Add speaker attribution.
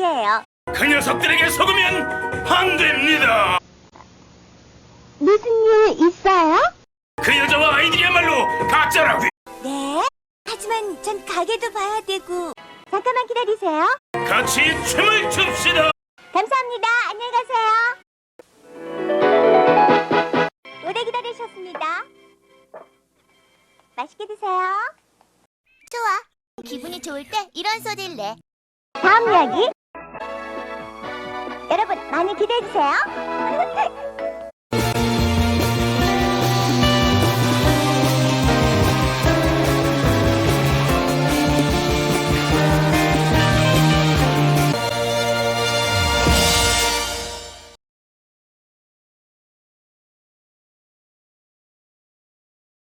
Speaker 1: 말이에요.
Speaker 2: 그 녀석들에게 속으면 안 됩니다.
Speaker 1: 무슨 일 있어요?
Speaker 2: 그 여자와 아이들이야말로 가짜라고요.
Speaker 1: 네? 하지만 전 가게도 봐야 되고. 잠깐만 기다리세요.
Speaker 2: 같이 춤을 춥시다.
Speaker 1: 감사합니다. 안녕히 가세요. 오래 기다리셨습니다. 맛있게 드세요.
Speaker 3: 좋아. 기분이 좋을 때 이런 소리를 내.
Speaker 1: 다음 이야기. 여러분 많이 기대해주세요.